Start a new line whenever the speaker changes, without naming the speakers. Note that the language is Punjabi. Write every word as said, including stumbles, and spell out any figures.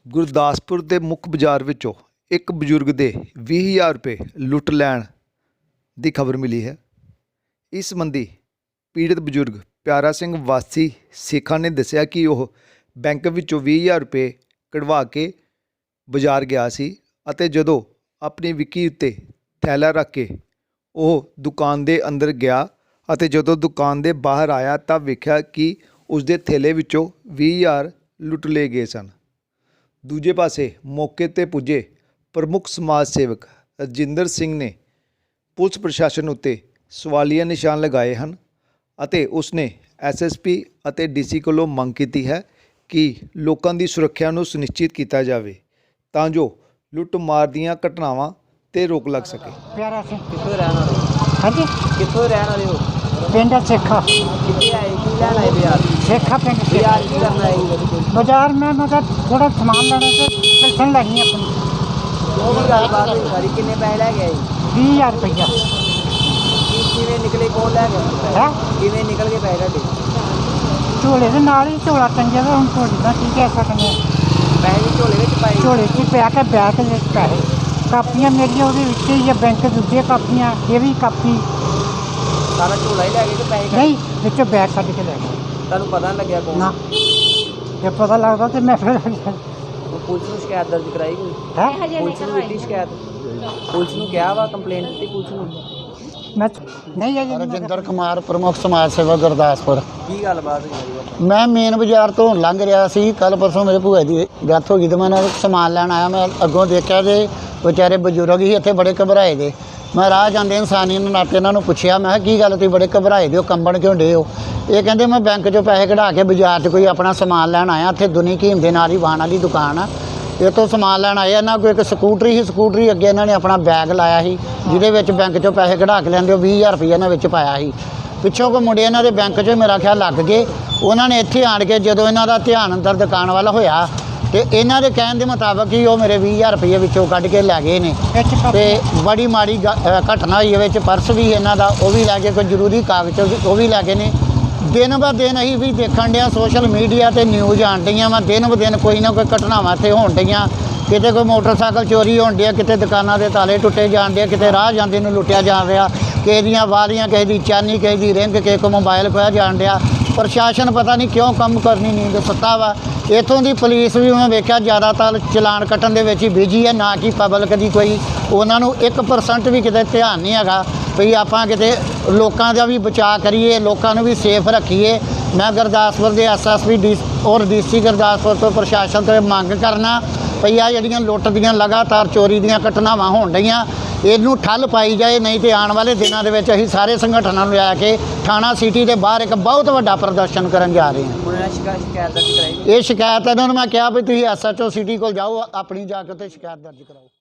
ਗੁਰਦਾਸਪੁਰ ਦੇ ਮੁੱਖ ਬਾਜ਼ਾਰ ਵਿੱਚੋਂ ਇੱਕ ਬਜ਼ੁਰਗ ਦੇ ਵੀਹ ਹਜ਼ਾਰ ਰੁਪਏ ਲੁੱਟ ਲੈਣ ਦੀ ਖਬਰ ਮਿਲੀ ਹੈ। ਇਸ ਸੰਬੰਧੀ ਪੀੜਤ ਬਜ਼ੁਰਗ ਪਿਆਰਾ ਸਿੰਘ ਵਾਸੀ ਸੇਖਾਂ ਨੇ ਦੱਸਿਆ ਕਿ ਉਹ ਬੈਂਕ ਵਿੱਚੋਂ ਵੀਹ ਹਜ਼ਾਰ ਰੁਪਏ ਕਢਵਾ ਕੇ ਬਾਜ਼ਾਰ ਗਿਆ ਸੀ ਅਤੇ ਜਦੋਂ ਆਪਣੀ ਵਿੱਕੀ ਉੱਤੇ ਥੈਲਾ ਰੱਖ ਕੇ ਉਹ ਦੁਕਾਨ ਦੇ ਅੰਦਰ ਗਿਆ ਅਤੇ ਜਦੋਂ ਦੁਕਾਨ ਦੇ ਬਾਹਰ ਆਇਆ ਤਾਂ ਵੇਖਿਆ ਕਿ ਉਸ ਦੇ ਥੈਲੇ ਵਿੱਚੋਂ ਵੀਹ ਹਜ਼ਾਰ ਲੁੱਟ ਲਏ ਗਏ ਸਨ। ਦੂਜੇ ਪਾਸੇ ਮੌਕੇ 'ਤੇ ਪੁੱਜੇ ਪ੍ਰਮੁੱਖ ਸਮਾਜ ਸੇਵਕ ਰਜਿੰਦਰ ਸਿੰਘ ਨੇ ਪੁਲਿਸ ਪ੍ਰਸ਼ਾਸਨ ਉੱਤੇ ਸਵਾਲੀਆ ਨਿਸ਼ਾਨ ਲਗਾਏ ਹਨ ਅਤੇ ਉਸਨੇ ਐਸ ਐਸ ਪੀ ਅਤੇ ਡੀ ਸੀ ਕੋਲੋਂ ਮੰਗ ਕੀਤੀ ਹੈ ਕਿ ਲੋਕਾਂ ਦੀ ਸੁਰੱਖਿਆ ਨੂੰ ਸੁਨਿਸ਼ਚਿਤ ਕੀਤਾ ਜਾਵੇ ਤਾਂ ਜੋ ਲੁੱਟ ਮਾਰ ਦੀਆਂ ਘਟਨਾਵਾਂ 'ਤੇ ਰੋਕ ਲੱਗ ਸਕੇ।
ਪਿਆਰਾ ਸਿੰਘ
ਕਿੱਥੋਂ ਰਹਿਣ ਵਾਲੇ ਹੋ?
ਹਾਂਜੀ
ਕਿੱਥੋਂ ਰਹਿਣ ਵਾਲੇ ਹੋ?
ਪਿੰਡ ਸੇਖਾ
ਕਿੱਥੇ ਆਏ ਕੀ ਲੈਣ ਆਏ ਬਾਜ਼ਾਰ?
ਸੇਖਾ ਪਿੰਡ
ਬਾਜ਼ਾਰ ਕੀ ਕਰਨਾ ਆਏ?
ਬਾਜ਼ਾਰ में मतलब थोड़ा सामान लेने से पेंशन लगनी अपनी
ਉਹ ਵੀ ਗੱਲਬਾਤ ਹੋਈ ਸਾਰੀ। ਕਿੰਨੇ ਪੈਸੇ ਲੈ ਕੇ ਆਏ?
बीस हज़ार रुपया
ਕੀ ਕਿਵੇਂ ਨਿਕਲੇ? ਕੌਣ ਲੈ ਗਿਆ?
है
ਕਿਵੇਂ ਨਿਕਲ ਗਏ ਪੈਸੇ ਤੁਹਾਡੇ?
झोले के नाल ही झोला टंगे तो हम झोले का की कह सकते हैं।
ਪੈਸੇ ਵੀ ਝੋਲੇ ਵਿੱਚ ਪਾਏ?
झोले च पै के बैग के पैसे कापियां मेरिया वो ही बैंक दूजे कापियां ये भी कापी
ਸਾਰਾ ਝੋਲਾ ਹੀ ਲੈ ਗਏ ਕਿ ਪੈਸੇ?
नहीं बिचों बैग कट के ले गए
ਤੁਹਾਨੂੰ ਪਤਾ ਨਹੀਂ ਲੱਗਿਆ ਕੌਣ?
ना जब पता लगता तो मैं फिर
ਉਹ ਪੁਲਿਸ ਨੂੰ ਸ਼ਿਕਾਇਤ ਦਰਜ ਕਰਾਈ ਕੋਈ?
है
ਪੁਲਿਸ ਨੂੰ ਦਿੱਤੀ ਸ਼ਿਕਾਇਤ? ਪੁਲਿਸ ਨੂੰ ਕਿਹਾ ਵਾ ਕੰਪਲੇਂਟ ਦਿੱਤੀ ਪੁਲਿਸ ਨੂੰ?
मैं नहीं है
ਰਜਿੰਦਰ ਕੁਮਾਰ ਪ੍ਰਮੁੱਖ ਸਮਾਜ ਸੇਵਾ ਗੁਰਦਾਸਪੁਰ।
ਕੀ ਗੱਲਬਾਤ ਹੋਈ ਬਾਬਾ?
ਮੈਂ ਮੇਨ ਬਾਜ਼ਾਰ ਤੋਂ ਲੰਘ ਰਿਹਾ ਸੀ। ਕੱਲ ਪਰਸੋਂ ਮੇਰੇ ਭੂਆ ਦੀ ਡੈਥ ਹੋ ਗਈ ਤੇ ਮੈਂ ਨਾਲ ਸਮਾਨ ਲੈਣ ਆਇਆ। ਮੈਂ ਅੱਗੋਂ ਦੇਖਿਆ ਤੇ ਵਿਚਾਰੇ ਬਜ਼ੁਰਗ ਹੀ ਇੱਥੇ ਬੜੇ ਘਬਰਾਏ ਦੇ। ਮੈਂ ਰਾਹ ਜਾਂਦੇ ਇਨਸਾਨੀਅਤ ਨਾਤੇ ਇਹਨਾਂ ਨੂੰ ਪੁੱਛਿਆ, ਮੈਂ ਕਿਹਾ ਕੀ ਗੱਲ ਤੁਸੀਂ ਬੜੇ ਘਬਰਾਏ ਦੇ ਹੋ, ਕੰਬਣ ਕਿਉਂ ਡੇ ਹੋ? ਇਹ ਕਹਿੰਦੇ ਮੈਂ ਬੈਂਕ 'ਚੋਂ ਪੈਸੇ ਕਢਾ ਕੇ ਬਾਜ਼ਾਰ 'ਚ ਕੋਈ ਆਪਣਾ ਸਮਾਨ ਲੈਣ ਆਇਆ। ਇੱਥੇ ਦੁਨੀ ਕੀਮ ਦੇ ਨਾਲ ਹੀ ਵਾਹਣ ਵਾਲੀ ਦੁਕਾਨ ਆ, ਇੱਥੋਂ ਸਮਾਨ ਲੈਣ ਆਏ। ਇਹਨਾਂ ਕੋਲ ਇੱਕ ਸਕੂਟਰੀ ਸੀ, ਸਕੂਟਰੀ ਅੱਗੇ ਇਹਨਾਂ ਨੇ ਆਪਣਾ ਬੈਗ ਲਾਇਆ ਸੀ ਜਿਹਦੇ ਵਿੱਚ ਬੈਂਕ 'ਚੋਂ ਪੈਸੇ ਕਢਾ ਕੇ ਲੈਂਦੇ। ਉਹ ਵੀਹ ਹਜ਼ਾਰ ਰੁਪਈਆ ਇਹਨਾਂ ਵਿੱਚ ਪਾਇਆ ਸੀ। ਪਿੱਛੋਂ ਕੋਈ ਮੁੰਡੇ ਇਹਨਾਂ ਦੇ ਬੈਂਕ 'ਚ ਮੇਰਾ ਖਿਆਲ ਲੱਗ ਗਏ। ਉਹਨਾਂ ਨੇ ਇੱਥੇ ਆਣ ਕੇ ਜਦੋਂ ਇਹਨਾਂ ਦਾ ਧਿਆਨ ਅੰਦਰ ਦੁਕਾਨ ਵੱਲ ਹੋਇਆ ਤੇ ਇਹਨਾਂ ਦੇ ਕਹਿਣ ਦੇ ਮੁਤਾਬਕ ਹੀ ਉਹ ਮੇਰੇ ਵੀਹ ਹਜ਼ਾਰ ਰੁਪਈਏ ਵਿੱਚੋਂ ਕੱਢ ਕੇ ਲੈ ਗਏ ਨੇ। ਤੇ ਬੜੀ ਮਾੜੀ ਘਟਨਾ ਹੋਈ। ਵਿੱਚ ਪਰਸ ਵੀ ਇਹਨਾਂ ਦਾ ਉਹ ਵੀ ਲੈ ਕੇ, ਕੋਈ ਜ਼ਰੂਰੀ ਕਾਗਜ਼ ਉਹ ਵੀ ਲੈ ਗਏ ਨੇ। ਦਿਨ ਬ ਦਿਨ ਅਸੀਂ ਵੀ ਦੇਖਣ ਡਿਆ ਸੋਸ਼ਲ ਮੀਡੀਆ ਤੇ ਨਿਊਜ਼ ਆਉਣ ਡਈਆਂ ਵਾ। ਦਿਨ ਬ ਦਿਨ ਕੋਈ ਨਾ ਕੋਈ ਘਟਨਾਵਾਂ ਇੱਥੇ ਹੋਣ ਡਈਆਂ। ਕਿਤੇ ਕੋਈ ਮੋਟਰਸਾਈਕਲ ਚੋਰੀ ਹੋਣ ਡਿਆ, ਕਿਤੇ ਦੁਕਾਨਾਂ ਦੇ ਤਾਲੇ ਟੁੱਟੇ ਜਾਣ ਡਿਆ, ਕਿਤੇ ਰਾਹ ਜਾਂਦੇ ਨੂੰ ਲੁੱਟਿਆ ਜਾ ਰਿਹਾ, ਕਿਸੇ ਦੀਆਂ ਵਾਲੀਆਂ, ਕਿਸੇ ਦੀ ਚਾਨੀ, ਕਿਸੇ ਦੀ ਰਿੰਗ, ਕਿਸੇ ਕੋ ਮੋਬਾਈਲ ਖੋਇਆ ਜਾਣ ਡਿਆ। ਪ੍ਰਸ਼ਾਸਨ ਪਤਾ ਨਹੀਂ ਕਿਉਂ ਕੰਮ ਕਰਨੀ ਨੀਂਦ ਸੁੱਤਾ ਵਾ। ਇੱਥੋਂ ਦੀ ਪੁਲਿਸ ਵੀ ਮੈਂ ਵੇਖਿਆ ਜ਼ਿਆਦਾਤਰ ਚਲਾਨ ਕੱਟਣ ਦੇ ਵਿੱਚ ਹੀ ਬਿਜੀ ਹੈ, ਨਾ ਕਿ ਪਬਲਿਕ ਦੀ ਕੋਈ ਉਹਨਾਂ ਨੂੰ ਇੱਕ ਪਰਸੈਂਟ ਵੀ ਕਿਤੇ ਧਿਆਨ ਨਹੀਂ ਹੈਗਾ ਵੀ ਆਪਾਂ ਕਿਤੇ ਲੋਕਾਂ ਦਾ ਵੀ ਬਚਾਅ ਕਰੀਏ, ਲੋਕਾਂ ਨੂੰ ਵੀ ਸੇਫ ਰੱਖੀਏ। ਮੈਂ ਗੁਰਦਾਸਪੁਰ ਦੇ ਐਸ ਐਸ ਪੀ ਡੀ ਔਰ ਡੀ ਸੀ ਗੁਰਦਾਸਪੁਰ ਤੋਂ ਪ੍ਰਸ਼ਾਸਨ ਤੋਂ ਮੰਗ ਕਰਨਾ ਵੀ ਆਹ ਜਿਹੜੀਆਂ ਲੁੱਟ ਦੀਆਂ ਲਗਾਤਾਰ ਚੋਰੀ ਦੀਆਂ ਘਟਨਾਵਾਂ ਹੋਣ ਡਈਆਂ ਇਹਨੂੰ ਠੱਲ ਪਾਈ ਜਾਏ। ਨਹੀਂ ਤੇ ਆਉਣ ਵਾਲੇ ਦਿਨਾਂ ਦੇ ਵਿੱਚ ਅਸੀਂ ਸਾਰੇ ਸੰਗਠਨਾਂ ਨੂੰ ਲੈ ਕੇ ਥਾਣਾ ਸਿਟੀ ਦੇ ਬਾਹਰ ਇੱਕ ਬਹੁਤ ਵੱਡਾ ਪ੍ਰਦਰਸ਼ਨ ਕਰਨ ਜਾ ਰਹੇ ਹਾਂ।
ਉਹਨਾਂ ਨੇ ਸ਼ਿਕਾਇਤ ਸ਼ਿਕਾਇਤ ਦਰਜ ਕਰਾਈ?
ਇਹ ਸ਼ਿਕਾਇਤ ਇਹਨਾਂ ਨੂੰ ਮੈਂ ਕਿਹਾ ਵੀ ਤੁਸੀਂ ਐਸ ਐਚ ਓ ਸਿਟੀ ਕੋਲ ਜਾਓ, ਆਪਣੀ ਜਾ ਕੇ ਉੱਥੇ ਸ਼ਿਕਾਇਤ ਦਰਜ ਕਰਾਓ।